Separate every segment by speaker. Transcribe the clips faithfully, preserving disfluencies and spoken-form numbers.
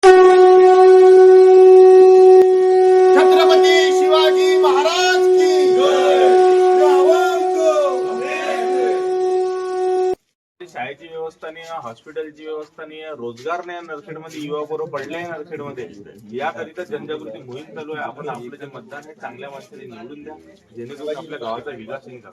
Speaker 1: छत्रपती शिवाजी महाराज की
Speaker 2: शाळेची व्यवस्था नाही, हॉस्पिटलची व्यवस्था नाही, रोजगार नाही नरखेडमध्ये, युवा बरोबर पडले नरखेडमध्ये. याकरिता जनजागृती मोहीम चालू आहे. आपण आपलं जे मतदान आहे चांगल्या माणसाने निवडून द्या, जेणेकरून आपल्या गावाचा विकास होईल.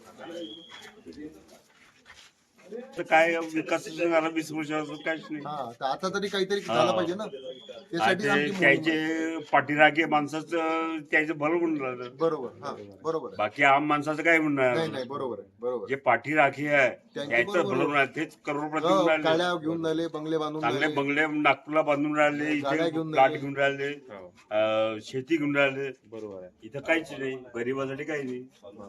Speaker 3: तर काय विकास झाला वीस वर्षापासून काहीच नाही.
Speaker 1: हा तर आता तरी काहीतरी झालं पाहिजे ना, त्यासाठी आमची मोहीम आहे.
Speaker 3: त्याचे पाठीराखे माणसाचं त्याचं भलं म्हणून राहिलं.
Speaker 1: बरोबर. हा बरोबर आहे.
Speaker 3: बाकी आम माणसाचं काय म्हणणार?
Speaker 1: नाही नाही बरोबर आहे. बरोबर
Speaker 3: जे पाठीराखे आहे
Speaker 1: त्यांचं
Speaker 3: त्याचं
Speaker 1: बरोबर
Speaker 3: भलं
Speaker 1: आहे.
Speaker 3: म्हणणार. तेच करोडपती
Speaker 1: हो,
Speaker 3: होऊन राहिले.
Speaker 1: काड्या घेऊन राहिले, बंगले बांधून
Speaker 3: चांगले
Speaker 1: राहिले.
Speaker 3: बंगले नागपूरला बांधून राहिले,
Speaker 1: गाड्या
Speaker 3: इथे
Speaker 1: घेऊन
Speaker 3: प्लॉट
Speaker 1: राहिले.
Speaker 3: घेऊन राहिले, अं, शेती घेऊन राहिले.
Speaker 2: बरोबर आहे.
Speaker 3: इथं काहीच नाही, गरीबासाठी काही नाही.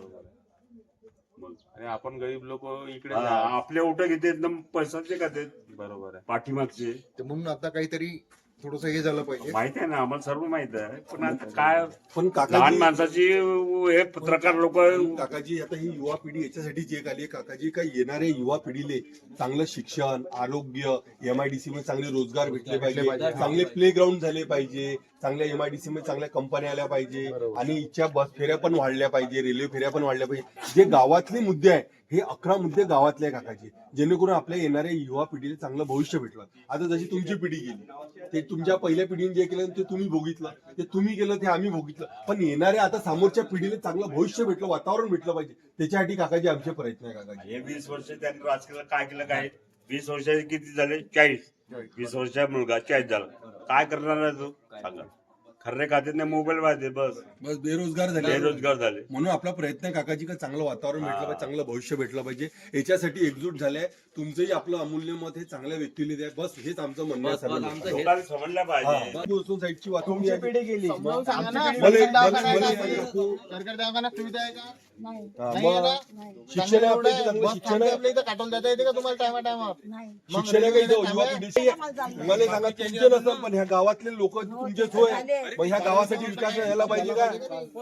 Speaker 2: आणि आपण गरीब लोक इकडे
Speaker 3: हा, आपले ओट घेते पैसाचे का ते
Speaker 2: बरोबर आहे.
Speaker 3: पाठीमागचे
Speaker 1: तर म्हणून आता काहीतरी थोडस हे झालं पाहिजे.
Speaker 3: माहित आहे ना, आम्हाला सर्व माहित आहे. पण आता काय
Speaker 4: पण
Speaker 3: लहान
Speaker 4: काकाजी
Speaker 3: माणसाची हे पत्रकार लोक
Speaker 4: काकाजी आता ही युवा पिढी याच्यासाठी जे आली काकाजी काय येणाऱ्या युवा पिढीले चांगलं शिक्षण, आरोग्य, एमआयडीसी मध्ये चांगले रोजगार भेटले पाहिजे, चांगले प्ले ग्राउंड झाले पाहिजे, चांगल्या एमआयडीसी मध्ये चांगल्या कंपन्या आल्या पाहिजे आणि इच्छा बस फेऱ्या पण वाढल्या पाहिजे, रेल्वे फेऱ्या पण वाढल्या पाहिजे. जे गावातले मुद्दे आहे हे अकरा मुद्दे गावातले आहे काकाजी, जेणेकरून आपल्या येणाऱ्या युवा पिढीला चांगलं भविष्य भेटलं. आता जशी तुमची पिढी गेली, ते तुमच्या पहिल्या पिढीने जे केलं ते तुम्ही भोगितलं, ते तुम्ही केलं ते आम्ही भोगितलं. पण येणाऱ्या आता समोरच्या पिढीला चांगलं भविष्य भेटलं, वातावरण भेटलं पाहिजे, त्याच्यासाठी काकाजी आमचे प्रयत्न आहे. काकाजी
Speaker 3: हे वीस वर्ष त्यांनी राजकीय काय केलं? काय वीस वर्षाचे किती झाले? चाळीस. वीस वर्षाचा मुलगा चाळीस झाला, काय करणार आहे तो? सांगा. खर्रे खात्यात नाही, मोबाईल पाहिजे, बस
Speaker 4: बस बेरोजगार झाले.
Speaker 3: बेरोजगार झाले.
Speaker 4: म्हणून आपला प्रयत्न आहे काकाजी का चांगलं वातावरण भेटलं पाहिजे, चांगलं भविष्य भेटलं पाहिजे, याच्यासाठी एकजूट झाले. तुमचंही आपलं अमूल्य मत हे चांगल्या व्यक्तीला द्या, बस हेच आमचं म्हणणं आहे. सर्वांना.
Speaker 3: लोकांनी समजलं पाहिजे.
Speaker 4: बोलसून साईडची वातावरण
Speaker 1: पिढी गेली.
Speaker 4: मला-
Speaker 1: सरकारी
Speaker 4: मला-
Speaker 1: दवाखान्यात सुविधा आहे का?
Speaker 5: नाही.
Speaker 4: हा,
Speaker 1: नाही आहे
Speaker 4: मग
Speaker 1: ना?
Speaker 4: शिक्षण आहे आपल्या इथे, चांगलं
Speaker 1: बस
Speaker 4: शिक्षण
Speaker 1: थांबते
Speaker 4: आहे.
Speaker 1: आपल्या इथं काटून देता येते का तुम्हाला टायमा टायमावर?
Speaker 5: नाही.
Speaker 4: शिक्षण आहे का इथं युवा पिढीची? मला सांगा, तुमचे नसेल पण ह्या गावातले लोक तुमचेच होय, मग ह्या गावासाठी विकास व्हायला पाहिजे का?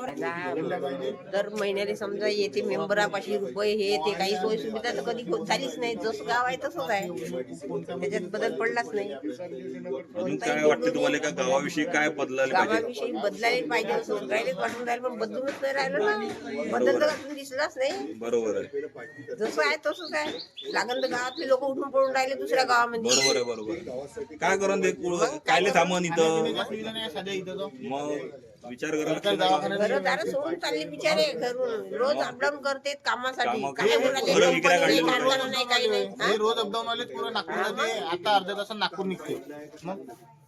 Speaker 6: दर महिन्याला समजा येते मेंबरापाशी रुपये हे ते काही सोयी सुविधा तर कधी होत झालीच नाही. जसं गाव आहे तसंच आहे, त्याच्यात बदल पडलाच नाही.
Speaker 7: अजून काय वाटतं तुम्हाला का गावाविषयी काय बदलायला पाहिजे?
Speaker 6: गावाविषयी बदलायला पाहिजे असं सगळ्यालाच वाटून राहिलं, पण बदलूनच नाही राहिलं ना. बदल तर अजून दिसलाच नाही.
Speaker 7: बरोबर आहे,
Speaker 6: जसं आहे तसंच आहे. लागण तर गावातले लोक उठून पडून राहिले दुसऱ्या गावामध्ये.
Speaker 7: बरोबर आहे, बरोबर आहे. काय करून ते पुढं- कायले थांबन इथं?
Speaker 1: सुविधा नाही साध्या इथं तो.
Speaker 7: मग विचार करायला
Speaker 1: सरकारी
Speaker 7: लागतो ना.
Speaker 1: दवाखान्यात
Speaker 6: घरदार सोडून चालले बिचारे घरून, रोज अपडाऊन करते कामासाठी.
Speaker 7: कामं-
Speaker 6: काय होऊन राहिले?
Speaker 7: घरं विकायला
Speaker 6: कंपनी नाही,
Speaker 7: काढली.
Speaker 6: कारखाना नाही, काही नाही. हा?
Speaker 1: हे रोज अपडाऊन वाले पूर्ण नागपूरला ते आता अर्ध्या तासात नागपूर निघते. मग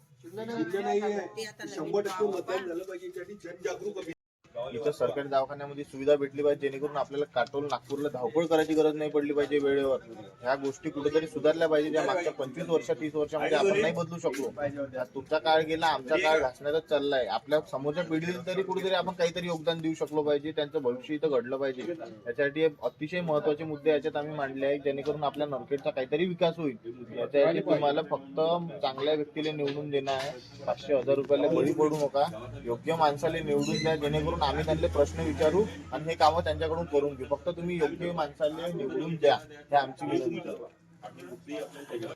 Speaker 4: शंभर टक्के मतदान झालं पाहिजे, याच्यासाठी जनजागरूक
Speaker 1: इथं सरकारी दवाखान्यामध्ये सुविधा भेटली पाहिजे, जेणेकरून आपल्याला काटोल नागपूरला धावपळ करायची गरज नाही पडली पाहिजे वेळेवर. ह्या गोष्टी कुठेतरी सुधारल्या पाहिजे, ज्या मागच्या पंचवीस वर्ष तीस वर्षामध्ये आपण नाही बदलू शकलो. आज तुमचा काळ गेला, आमचा काळ घासण्याचा चाललाय. आपल्या समोरच्या पिढीला तरी कुठेतरी आपण काहीतरी योगदान देऊ शकलो पाहिजे, त्यांचं भविष्य इथं घडलं पाहिजे. याच्यासाठी हे अतिशय महत्वाचे मुद्दे याच्यात आम्ही मांडले आहेत, जेणेकरून आपल्या नरखेडचा काहीतरी विकास होईल. याच्यासाठी तुम्हाला फक्त चांगल्या व्यक्तीला निवडून देणं आहे. पाचशे हजार रुपयाला बळी पडू नका, योग्य माणसाला निवडून द्या, जेणेकरून आम्ही त्यांना प्रश्न विचारू आणि हे कामं त्यांच्याकडून करून घेऊ. फक्त तुम्ही योग्य माणसाला निवडून द्या, हे आमची विनंती आहे.